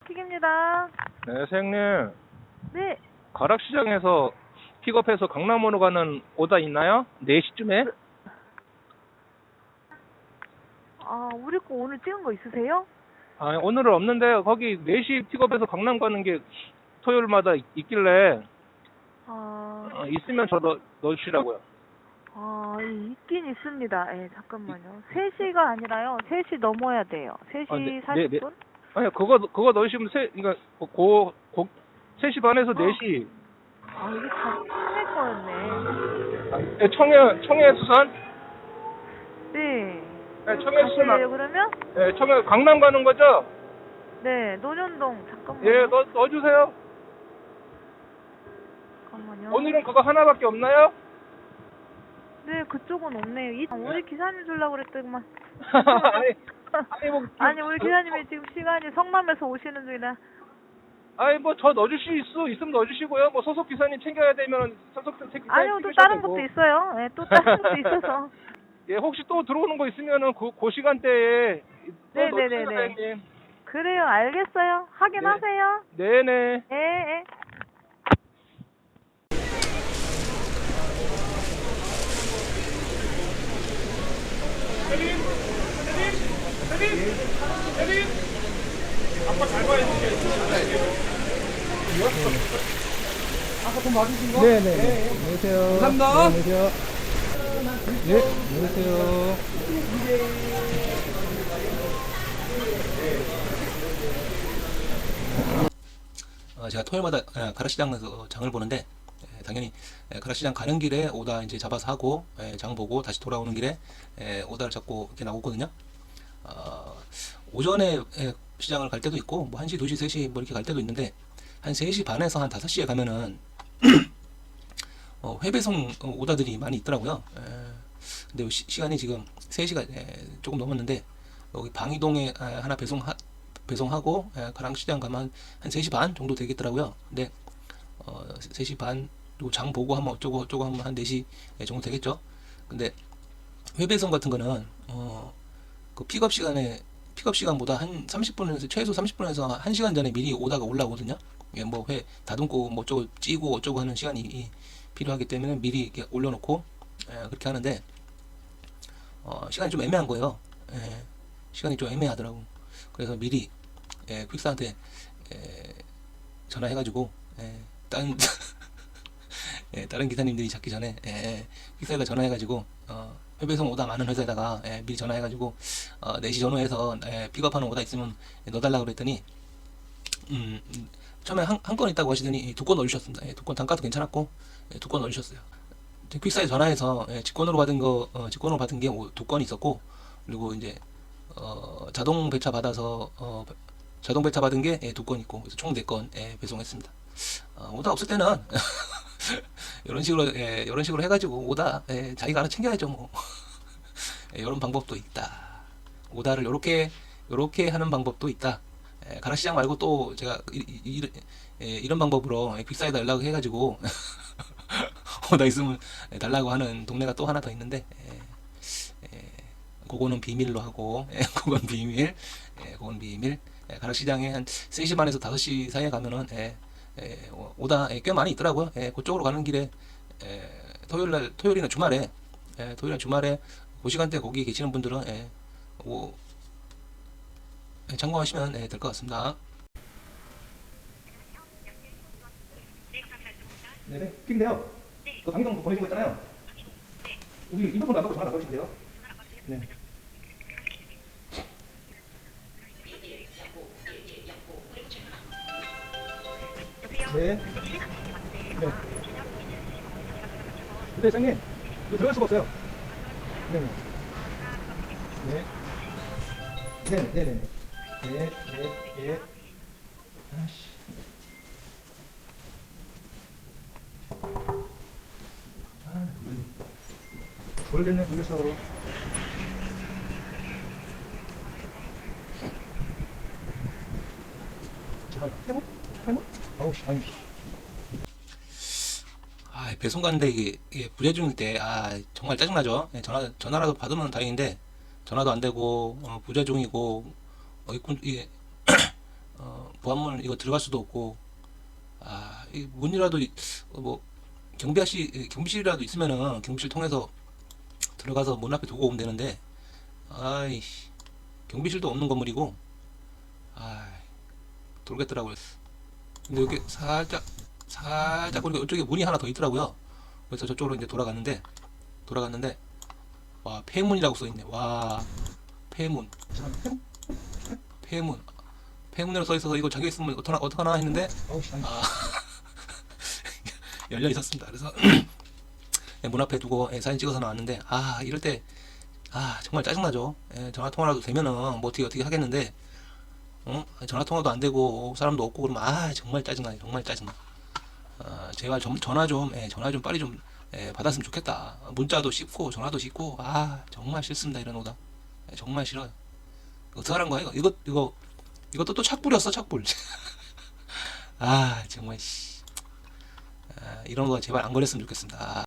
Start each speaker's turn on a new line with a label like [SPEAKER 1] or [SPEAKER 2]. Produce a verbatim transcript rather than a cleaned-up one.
[SPEAKER 1] 킥입니다.
[SPEAKER 2] 네, 사장님.
[SPEAKER 1] 네.
[SPEAKER 2] 가락시장에서 픽업해서 강남으로 가는 오다 있나요? 네 시쯤에?
[SPEAKER 1] 아, 우리 거 오늘 찍은 거 있으세요?
[SPEAKER 2] 아, 오늘은 없는데 거기 네 시 픽업해서 강남 가는 게 토요일마다 있, 있길래
[SPEAKER 1] 아,
[SPEAKER 2] 어, 있으면 저 넣, 넣어주시라고요.
[SPEAKER 1] 아, 있긴 있습니다. 예, 잠깐만요. 세 시가 아니라요. 세 시 넘어야 돼요. 세 시
[SPEAKER 2] 아, 네,
[SPEAKER 1] 사십
[SPEAKER 2] 네,
[SPEAKER 1] 분?
[SPEAKER 2] 아니, 그거, 그거 넣으시면 세, 그러니까 고, 고, 세 시 반에서 네 시.
[SPEAKER 1] 아, 이게 다 청해 거였네.
[SPEAKER 2] 아, 네, 청해, 청해 수산?
[SPEAKER 1] 네.
[SPEAKER 2] 네,
[SPEAKER 1] 이거
[SPEAKER 2] 청해
[SPEAKER 1] 다시
[SPEAKER 2] 수산.
[SPEAKER 1] 해요, 그러면?
[SPEAKER 2] 네, 청해, 강남 가는 거죠?
[SPEAKER 1] 네, 논현동. 잠깐만요.
[SPEAKER 2] 예, 넣, 넣어주세요.
[SPEAKER 1] 잠깐만요.
[SPEAKER 2] 오늘은 그거 하나밖에 없나요?
[SPEAKER 1] 네, 그쪽은 없네요. 이, 아, 우리 기사님 주려고 그랬더니만.
[SPEAKER 2] 아니, 아니, 뭐,
[SPEAKER 1] 아니, 우리 기사님이 지금 시간이 성남에서 오시는 중이라.
[SPEAKER 2] 아니 뭐 저 넣어주실 수 있으면 넣어주시고요. 뭐 소속 기사님 챙겨야 되면 소속 기사님
[SPEAKER 1] 아니요, 또
[SPEAKER 2] 챙기셔야
[SPEAKER 1] 다른
[SPEAKER 2] 되고.
[SPEAKER 1] 것도 있어요. 예, 또 다른 것도 있어서.
[SPEAKER 2] 예, 혹시 또 들어오는 거 있으면은 그, 그 시간대에 또 넣어주세요,
[SPEAKER 1] 네네네네.
[SPEAKER 2] 사장님.
[SPEAKER 1] 그래요, 알겠어요. 확인하세요.
[SPEAKER 2] 네네.
[SPEAKER 1] 예, 예.
[SPEAKER 3] 네네. 안녕하세요. 감사합니다. 안녕하세요. 네, 안녕하세요.
[SPEAKER 4] 어, 제가 토요일마다 에, 가락시장에서 장을 보는데 에, 당연히 에, 가락시장 가는 길에 오다 이제 잡아서 하고 에, 장 보고 다시 돌아오는 길에 에, 오다를 잡고 이렇게 나오거든요. 어, 오전에 에, 시장을 갈 때도 있고 뭐 한 시, 두 시, 세 시 뭐 이렇게 갈 때도 있는데 한 세 시 반에서 한 다섯 시에 가면은 어, 회배송 어, 오다들이 많이 있더라고요. 에, 근데 시, 시간이 지금 세 시가 에, 조금 넘었는데 여기 방이동에 에, 하나 배송 배송하고 에, 가락시장 가면 한 세 시 반 정도 되겠더라고요. 근데 어, 세 시 반 그리고 장 보고 하면 어쩌고 어쩌고 하면 한 네 시 정도 되겠죠. 근데 회배송 같은 거는 어, 그 픽업 시간에 픽업 시간보다 한 삼십 분에서 최소 삼십 분에서 한 시간 전에 미리 오다가 올라오거든요. 예, 뭐 회 다듬고 뭐 어쩌고 찌고 어쩌고 하는 시간이 필요하기 때문에 미리 이렇게 올려놓고 예, 그렇게 하는데 어, 시간이 좀 애매한 거예요. 예, 시간이 좀 애매하더라고. 그래서 미리 예, 퀵사한테 예, 전화해가지고 예, 다른 예, 다른 기사님들이 잡기 전에 예, 퀵사에다 전화해가지고 어, 회배송 오다 많은 회사에다가 예, 미리 전화해가지고 어, 네 시 전후해서 예, 픽업하는 오다 있으면 넣어달라고 그랬더니 음, 음, 처음에 한, 한 건 있다고 하시더니 두 건 넣어주셨습니다. 예, 두 건 단가도 괜찮았고 예, 두 건 넣어주셨어요. 퀵사에 전화해서 예, 직권으로 받은 거 어, 직권으로 받은 게 두 건 있었고 그리고 이제 어, 자동 배차 받아서 어, 자동 배차 받은 게 두 건 있고 그래서 총 네 건 예, 배송했습니다. 어, 오다 없을 때는 이런 식으로 예, 이런 식으로 해가지고 오다 예, 자기가 알아 챙겨야죠 뭐. 예, 이런 방법도 있다. 오다를 요렇게 요렇게 하는 방법도 있다. 예, 가락시장 말고 또 제가 이, 이, 이, 예, 이런 방법으로 예, 퀵사에 연락을 해가지고 오다 있으면 달라고 하는 동네가 또 하나 더 있는데 예, 예, 그거는 비밀로 하고 예, 그건 비밀 예, 그건 비밀 예, 가락시장에 한 세 시 반에서 다섯 시 사이에 가면은 예, 예, 오다 예, 꽤 많이 있더라고요. 예, 그쪽으로 가는 길에 예, 토요일날 토요일이나 주말에 예, 토요일이나 주말에 그 시간대 거기 계시는 분들은 예, 오, 예, 참고하시면 예, 될 것 같습니다.
[SPEAKER 3] 네네. 픽인데요. 그 강의동 보내준 거 있잖아요. 여기 이 부분 나가고 전화 나가시면 돼요. 네. 네. 네. 근데 사장님, 이거 들어갈 수가 없어요. 네네. 네. 네네, 네네. 네, 네, 예. 아씨. 아, 돌겠네, 돌겠어. 제발, 해모? 해모? 아우, 씨, 아니.
[SPEAKER 4] 아, 배송 가는데 이게, 이게 부재중일 때, 아, 정말 짜증나죠? 예, 전화, 전화라도 받으면 다행인데, 전화도 안 되고, 어, 부재중이고, 어, 이게, 어, 보안문 이거 들어갈 수도 없고, 아, 이 문이라도 이- 어, 뭐 경비실 경비실이라도 있으면은 경비실 통해서 들어가서 문 앞에 두고 오면 되는데, 아이씨, 경비실도 없는 건물이고, 아, 돌겠더라고요. 근데 여기 살짝 살짝 그리고 이쪽에 문이 하나 더 있더라고요. 그래서 저쪽으로 이제 돌아갔는데 돌아갔는데 와, 폐문이라고 써 있네. 와, 폐문, 폐문, 폐문이라고 써 있어서 이거 잠겨 있으면 어떡하나, 어떡하나 했는데
[SPEAKER 3] 어우, 씨, 아니.
[SPEAKER 4] 아, 열려 있었습니다. 그래서 문 앞에 두고 예, 사진 찍어서 나왔는데, 아, 이럴 때 아, 정말 짜증나죠. 예, 전화 통화라도 되면은 뭐 어떻게 어떻게 하겠는데, 어? 전화 통화도 안 되고 사람도 없고 그러면 아, 정말 짜증나요. 정말 짜증나. 아, 제발 좀 전화 좀 예, 전화 좀 빨리 좀 예, 받았으면 좋겠다. 문자도 씹고 전화도 씹고 아, 정말 싫습니다. 이런 오다. 예, 정말 싫어요. 어떻게 하는 거야 이거? 이거 이거 이것도 또 착불이었어, 착불. 아, 정말 씨. 아, 이런 거 제발 안 걸렸으면 좋겠습니다. 아.